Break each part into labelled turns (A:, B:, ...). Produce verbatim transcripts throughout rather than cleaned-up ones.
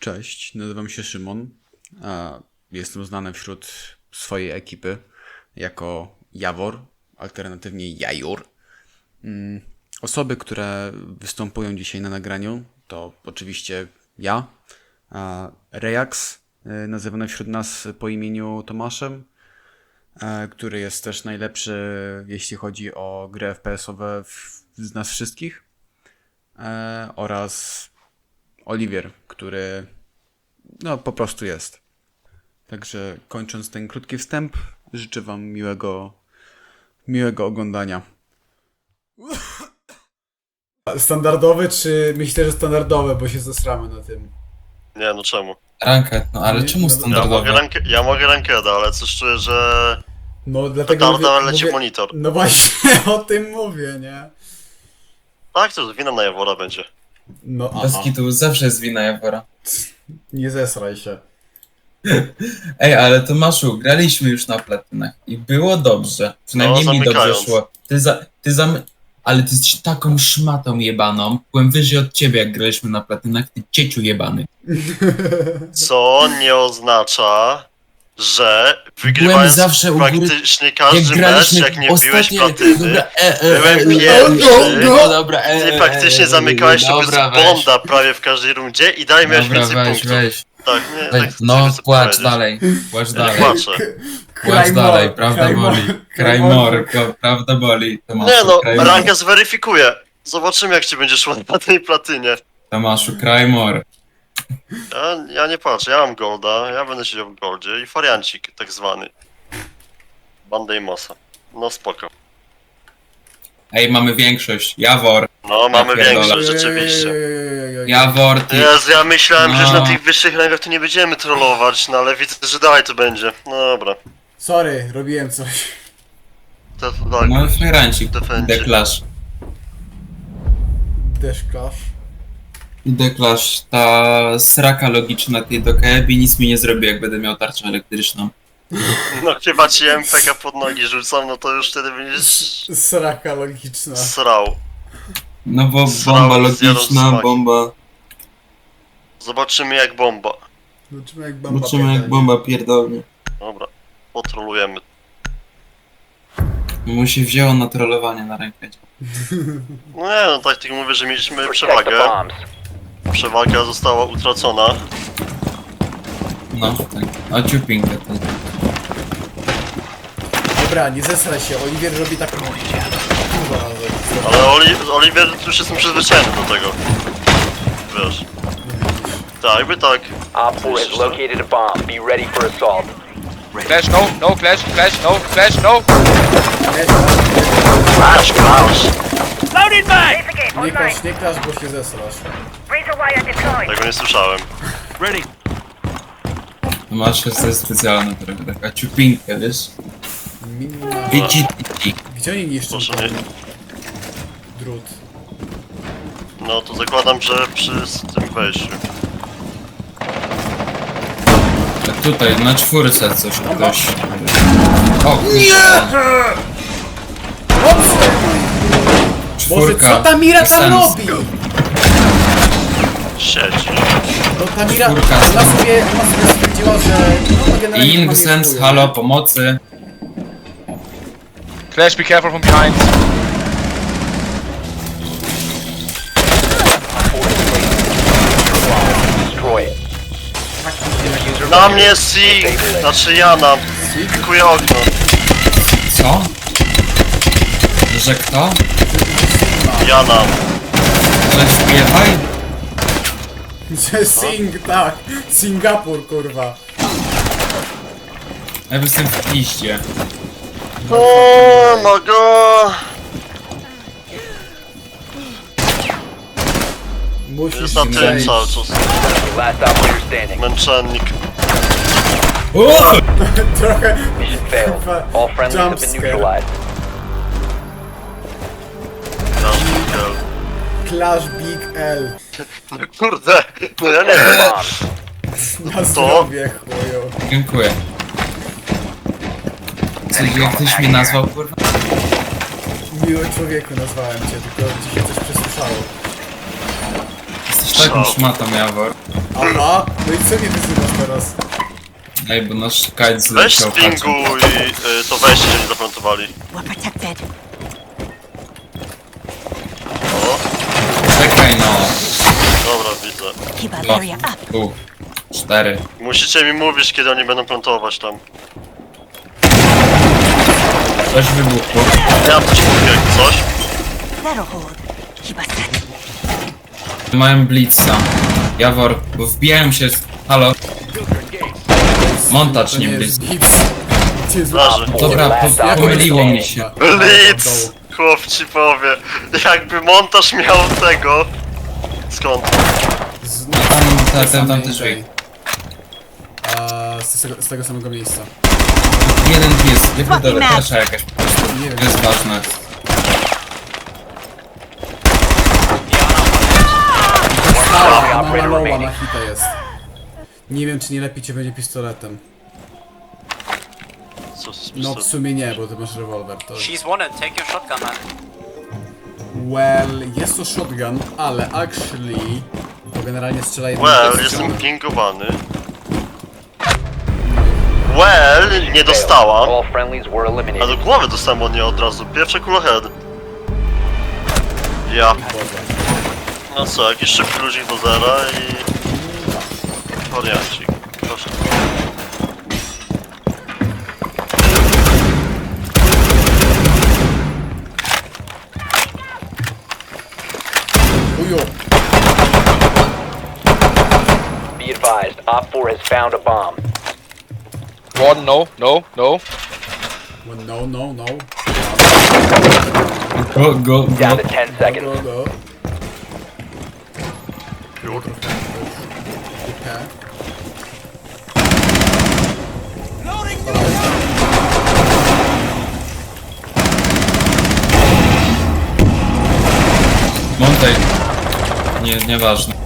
A: Cześć, nazywam się Szymon, a jestem znany wśród swojej ekipy jako Jawor, alternatywnie Jajur. Osoby, które występują dzisiaj na nagraniu, to oczywiście ja, a Rejax, nazywany wśród nas po imieniu Tomaszem, który jest też najlepszy, jeśli chodzi o gry F P S-owe z nas wszystkich, oraz Oliwier, który no po prostu jest. Także kończąc ten krótki wstęp, życzę wam miłego, miłego oglądania.
B: Standardowe, czy myślę, że standardowe, bo się zesramy na tym.
C: Nie, no czemu?
D: Ranket, no ale
B: Nie,
D: czemu
B: no,
C: Ja mogę,
D: standardowe?
C: rank ja mogę rankeda, ale coś czuję, że
B: No dlatego
C: petarda
B: mówię,
C: leci
B: mówię,
C: monitor.
B: no właśnie o tym mówię, nie?
C: Tak, to wina na Jawora będzie.
B: No
D: Bez
B: aha,
D: kitu, zawsze jest wina Jawora.
B: nie zesraj się.
D: Ej, ale Tomaszu, graliśmy już na platynach i było dobrze. Przynajmniej
C: No,
D: mi dobrze
C: zamykając.
D: szło. Ty za... Ty zam... Ale ty jesteś taką szmatą jebaną. Byłem wyżej od ciebie, jak graliśmy na platynach, ty cieciu jebany.
C: Co nie oznacza, że
D: Byłem
C: wygrywając
D: zawsze u góry,
C: praktycznie
D: jak
C: każdy mecz,
D: graliśmy
C: jak nie wbiłeś
D: ostatnie...
C: platyny,
D: Dobra, e, e,
C: byłem
D: e,
C: pierwszy.
D: No dobra, e,
C: ty
D: e,
C: praktycznie
D: e,
C: zamykałeś sobie z
D: dobra, weź.
C: bonda prawie w każdej rundzie i dalej miałeś
D: Dobra,
C: więcej
D: weź,
C: punktów.
D: weź.
C: Tak, nie,
D: weź.
C: tak
D: No,
C: chcę
D: płacz
C: powiedzieć.
D: dalej, płacz
C: Ja nie
D: dalej.
C: płaczę.
D: Płacz dalej, prawda
B: Krajmor-
D: boli. Krajmorko, prawda boli. Tomaszu,
C: Nie no,
D: Krajmor.
C: ranka zweryfikuje. Zobaczymy, jak ci będzie szło na tej platynie.
D: Tomaszu, Krajmor.
C: Ja, ja nie patrzę, ja mam golda, ja będę siedział w goldzie i fariancik tak zwany. Bandę i mosa. No spoko.
D: Ej, mamy większość. Jawor.
C: No, mamy
D: pierdolę.
C: większość, rzeczywiście.
D: Jawor, ty.
C: Jezu, ja myślałem, że
D: No.
C: na tych wyższych rangach to nie będziemy trollować, no ale widzę, że dalej to będzie. No dobra.
B: Sorry, robiłem coś.
C: To, tak.
D: No, fajrancik.
C: Defendzie.
D: Declash.
B: Deszkarz.
D: Declash, ta sraka logiczna tej do K B nic mi nie zrobi, jak będę miał tarczę elektryczną.
C: No chyba ci M P K pod nogi rzucam, no to już wtedy będziesz
B: Sraka logiczna.
C: srał.
D: No bo
C: Srał
D: bomba
C: z jadą
D: logiczna,
C: smaki.
D: bomba...
C: Zobaczymy jak bomba.
B: Zobaczymy jak bomba
D: Zobaczymy jak
B: pierdolnie.
D: bomba pierdolnie.
C: Dobra, potrolujemy.
D: Mu się wzięło na trollowanie na rękę.
C: No nie, no tak tylko mówię, że mieliśmy przewagę. Przewaga została utracona.
D: No, tak. A ciupinkę to.
B: Dobra, nie zesraj się, Oliwier robi tak dużo razy.
C: Ale Oli Oliver już jestem przyzwyczajony do tego. Wiesz. Tak, jakby tak.
E: Op four has located a bomb. Be ready for assault.
F: Flash, no, no, flash, flash, no, flash, no.
C: Flash, flash!
G: Loaded mag!
B: Nie klasz, nie klasz, bo się zesrasz.
G: Razor wire deployed.
C: Tego nie słyszałem.
G: Ready.
D: Masz jest specjalna trochę, taka ciupinkę, wiesz?
B: Minima...
D: Wici, wici.
B: Gdzie oni niszczą
C: Proszę
B: ten
C: nie.
B: drut?
C: No to zakładam, że przy tym wejściu.
D: A tutaj, na czwórce coś ktoś... O, nie!
B: Boże,
D: Czwórka.
B: co ta Mira tam
D: Sens.
B: robi?
C: Siedzi.
B: No ta Mira,
D: Czwórka.
B: ona sobie, ona sobie stwierdziła, że... No, generalnie
D: Ing
B: ma
D: Sens,
B: wpływu.
D: halo, pomocy.
F: Flash, be careful from behind.
E: Destroy it.
C: Na mnie Sig! Znaczy Jana. Pikuję okno.
D: Co? Że kto?
C: Jana.
D: Że śpiewaj?
B: Że Sing, tak. Singapur, kurwa.
D: Ja jestem w piździe.
C: O my god!
B: Musisz
C: Jest na tym
B: przejść.
C: cały czas.
E: Last operator standing.
C: Męczennik.
B: Trochę...
E: Mission failed.
B: Kurwa,
E: All friendlies have been
B: jumpscare.
E: neutralized.
B: Clash Big L.
C: Kurde, no ja nie wiem.
E: Bomb.
B: Na zdrowie, chuju.
D: Dziękuję. Co, jak ktoś mnie nazwał, kurwa?
B: Miły człowieku nazwałem cię, tylko ci się coś przesłyszało.
D: Jesteś Jesteś taką szmatą, Jawor.
B: Aha, no i co nie wyzywasz teraz?
D: Ej, bo nasz kajt
C: Weź
D: zleciał.
C: spinguj y, to wejście, że nie zaplantowali.
H: We're protected.
C: O,
D: Czekaj no.
C: dobra, widzę.
H: Keep our
D: Dwa,
H: area up.
D: tu, cztery.
C: Musicie mi mówić, kiedy oni będą plantować tam.
D: Coś wybuchło.
C: Ja mam coś mówię, jak coś.
H: That'll hold. Keep us set.
D: Mają blitza. Jawor, bo wbijają się z... Halo? Montaż,
B: To
D: nie
B: nie jest
D: blitz.
B: nic. Gdzie
C: Leży.
D: Dobra, po, pomyliło mi się.
C: Blitz! Chłop ci powie. Jakby montaż miał tego. Skąd?
B: Z,
D: Tam, tam, tam, tam też
B: samej
D: wej.
B: tej. A, z, tego, z tego samego miejsca.
D: Jeden pies, nie pierdolę, kasza jakaś po prostu.
B: Nie wiem.
D: To jest ważne.
B: Stała, na
E: operator
B: malowa,
E: remaining.
B: na hita jest. Nie wiem, czy nie lepiej cię będzie pistoletem.
C: Co z
B: No w sumie nie, bo ty masz rewolwer. To...
I: She's wanted, take your shotgun, man.
B: Well, jest to shotgun, ale actually... To generalnie strzela jednym
C: Well,
B: strzałem.
C: jestem pingowany. Well, nie dostałam.
E: All friendlies were
C: A
E: eliminated.
C: do głowy dostałem od niej od razu. Pierwsze kulohead. Ja. No co, jakiś szybki ludzik do zera i... Wariancik. Proszę.
B: Ujo!
E: Be advised, Op four has found a bomb.
F: One, no, no, no.
B: Well, no, no, no.
D: Go, go,
E: Down
D: go.
E: to ten
B: Go,
E: seconds.
B: go, go.
C: Już.
B: Okay.
D: Montaj. Nie, nieważne.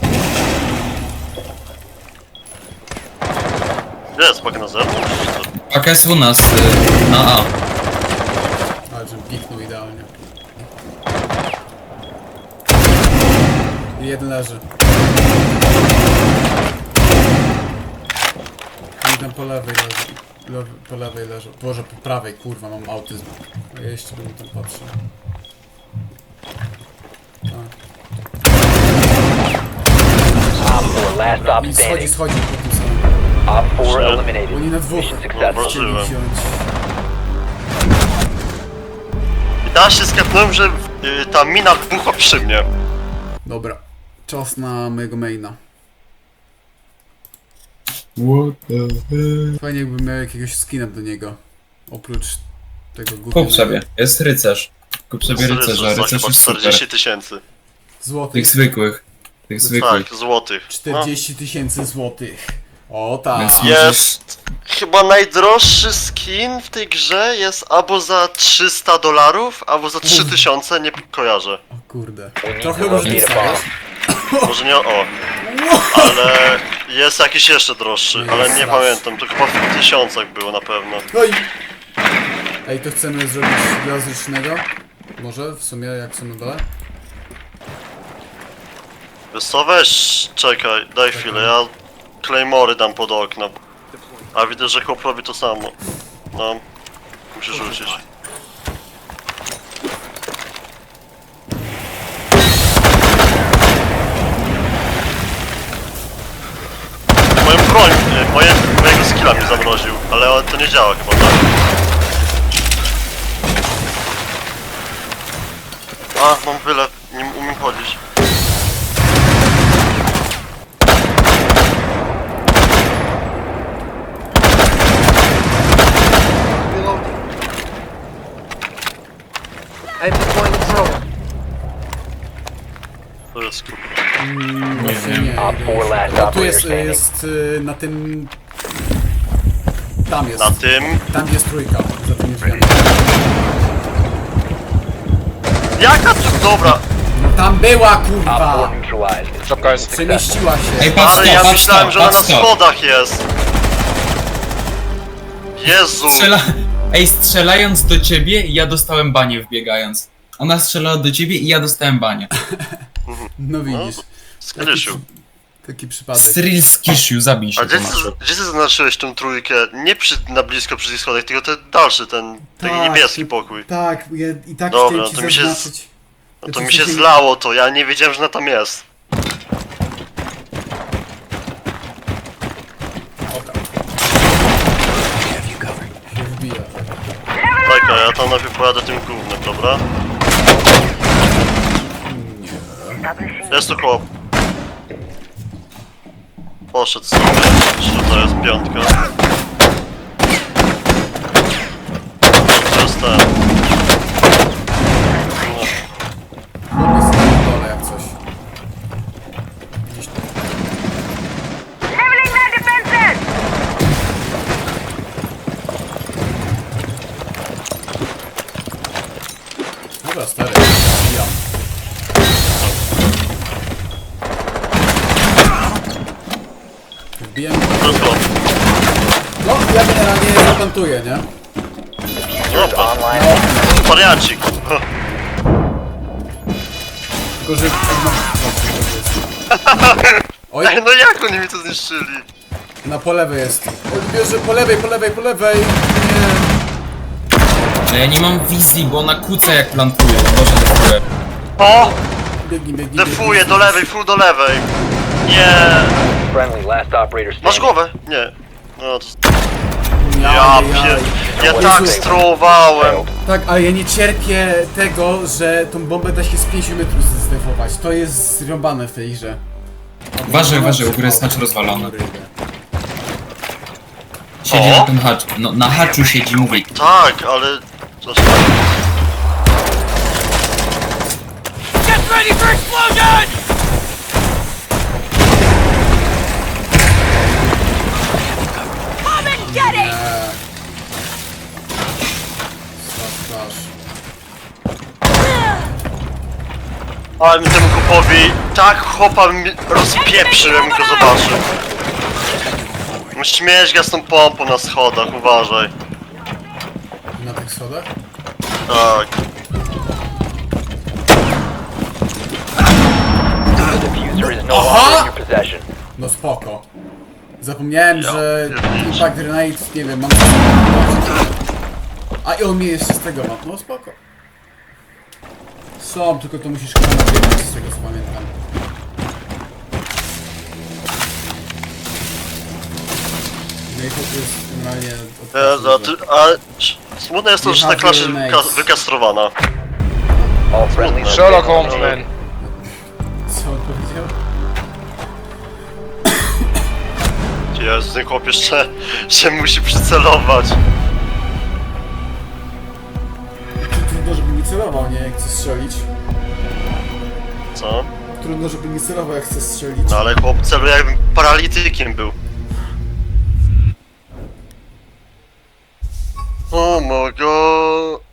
C: Gdzie jest pak na zewnątrz? Czy co?
D: Paka jest u nas, y, na A.
B: Ale żebym piknął idealnie. I jeden leży. I tam po lewej leży. Lewy, po lewej leży. Boże, po prawej, kurwa, mam autyzm. A ja jeszcze bym tam patrzył.
E: Op four, last stop
B: I schodzi,
E: standing.
B: schodzi po tym samym.
E: Op four
C: Shit.
E: eliminated.
B: Oni na dwóch
E: Mission successful.
B: chcieli
C: Zobaczyłem.
B: wziąć.
C: I teraz się skapnąłem, że y, ta mina wybuchła przy mnie.
B: Dobra. Czas na mojego maina.
D: What the hell?
B: Fajnie jakbym miał jakiegoś skina do niego. Oprócz tego
D: Kup
B: gównianego.
D: sobie, jest rycerz. Kup sobie rycerza,
C: za
D: rycerz
C: chyba
D: jest super.
C: czterdzieści tysięcy.
B: Złotych.
D: Tych zwykłych. Tych zwykłych.
C: Tak, złotych. No.
B: czterdzieści tysięcy złotych. O tak.
D: Więc
C: Jest chyba najdroższy skin w tej grze jest albo za trzysta dolarów, albo za trzy tysiące, nie kojarzę.
B: O kurde.
E: We need
B: Trochę
E: to locate
B: różnica
E: a
B: jest.
E: bomb.
C: Może nie o, ale jest jakiś jeszcze droższy, ale nie
B: Jest
C: pamiętam, to chyba w tysiącach było na pewno.
B: No i... Ej, to chcemy zrobić dla zręcznego? Może w sumie jak są na dole?
C: Wiesz co, weź, czekaj, daj chwilę, ja Claymory dam pod okno. A widzę, że chłop robi to samo. No, musisz rzucić. Moją broń, nie, moje, mojego skilla mi zamroził, ale to nie działa chyba, tak? A, mam wylew, nie umiem chodzić. To jest kurwa.
B: Właśnie nie.
E: Op four, last
B: O, tu
E: operator
B: jest,
E: standing.
B: jest y, na tym... Tam jest.
C: Na tym.
B: Tam jest trójka. Za tymi drzwiami.
C: Jaka tu, dobra.
B: No tam była
E: Op four
B: kurwa!
E: neutralized.
F: Drop, guys.
B: Przemieściła
D: Ej,
B: się.
D: patrz
C: Ale
D: to,
C: ja
D: patrz
C: myślałem,
D: to,
C: że ona na
D: patrz to.
C: schodach jest. Jezu.
D: Strzela... Ej, strzelając do ciebie, ja dostałem banie wbiegając. Ona strzelała do ciebie i ja dostałem banie.
B: No widzisz.
C: Skrysiu.
B: Taki przypadek.
D: Cyril Skishiu, zabij
C: A
D: się,
C: gdzie ty,
D: Tomaszu.
C: gdzie ty zaznaczyłeś tą trójkę? Nie przy, na blisko przy tych schodach, tylko ten dalszy, ten taki
B: Tak,
C: niebieski
B: ty-
C: pokój.
B: Tak, ja i tak
C: Dobra,
B: chciałem ci
C: to mi się z-
B: zaznaczyć.
C: No to
B: Znaczy,
C: mi
B: w
C: się
B: sensie-
C: zlało to, ja nie wiedziałem, że ona tam jest.
B: Się wbija.
C: Tak, a ja tam najpierw pojadę tym głównym, dobra? Jest tu chłop. Poszedł sobie, czy to jest piątka? To jest ten. No.
B: Chłop jest na dole jak coś. Gdzieś tu.
G: Leveling their defenses!
B: Dobra, stary. Wbijam. Wbijam.
C: To jest chłop.
B: No, ja generalnie zaplantuję, nie?
C: No,
E: Online.
C: wariacik.
B: Tylko, że... Oj,
C: Ej, no jak oni mi to zniszczyli?
B: na po lewej jest. Oj, bierze po lewej, po lewej, po lewej. Nie.
D: No ja nie mam wizji, bo ona kłóca jak plantuje, no Boże, defuje.
C: O!
B: Biegnij, biegnij.
C: Defuję
B: biegnij.
C: do lewej, full do lewej. Nie.
E: Friendly, last operator
C: Masz
E: standing.
C: głowę? Nie. No to...
B: Ja,
C: Ja
B: ja,
C: pier...
B: ja.
C: Ja tak strołowałem.
B: Tak, ale ja nie cierpię tego, że tą bombę da się z pięciu metrów zdefować. To jest zrąbane w tej grze.
D: Uważaj, uważaj, u góry jest hacz rozwalony.
B: Kurde.
D: Siedzi
C: O!
D: na tym haczu, no na haczu siedzi, mówię.
C: Tak, ale... Coś...
G: Get ready for explosion! Come and get it!
B: Twarz, twarz.
C: Ale mi temu chłopowi... Tak chłopa mi rozpieprzył, jakbym go zobaczył. Śmieć z tą pompą na schodach, uważaj.
B: Na tych schodach?
C: Tak.
E: The diffuser is no longer in your possession.
B: No spoko. Zapomniałem,
C: Ja
B: że
C: pierniczę.
B: Impact Grenade, nie wiem, mam... A i on mnie jeszcze z tego ma. No spoko. Są, tylko to musisz chyba nabiegać z tego co pamiętam. No i to jest generalnie...
C: Jezu, a ty... A... Smutne jest to, że ta klasza jest wyka- wykastrowana.
E: All friendlies are
F: Sherlock
E: eliminated.
F: Holmes, man.
B: Co on powiedział?
C: Jezu, ten chłop jeszcze... się musi przycelować.
B: Trudno, żeby nie celował, nie? Jak chce strzelić.
C: Co?
B: Trudno, żeby nie celował, jak chce strzelić.
C: No ale chłop celuje jakbym paralitykiem był. Oh my god.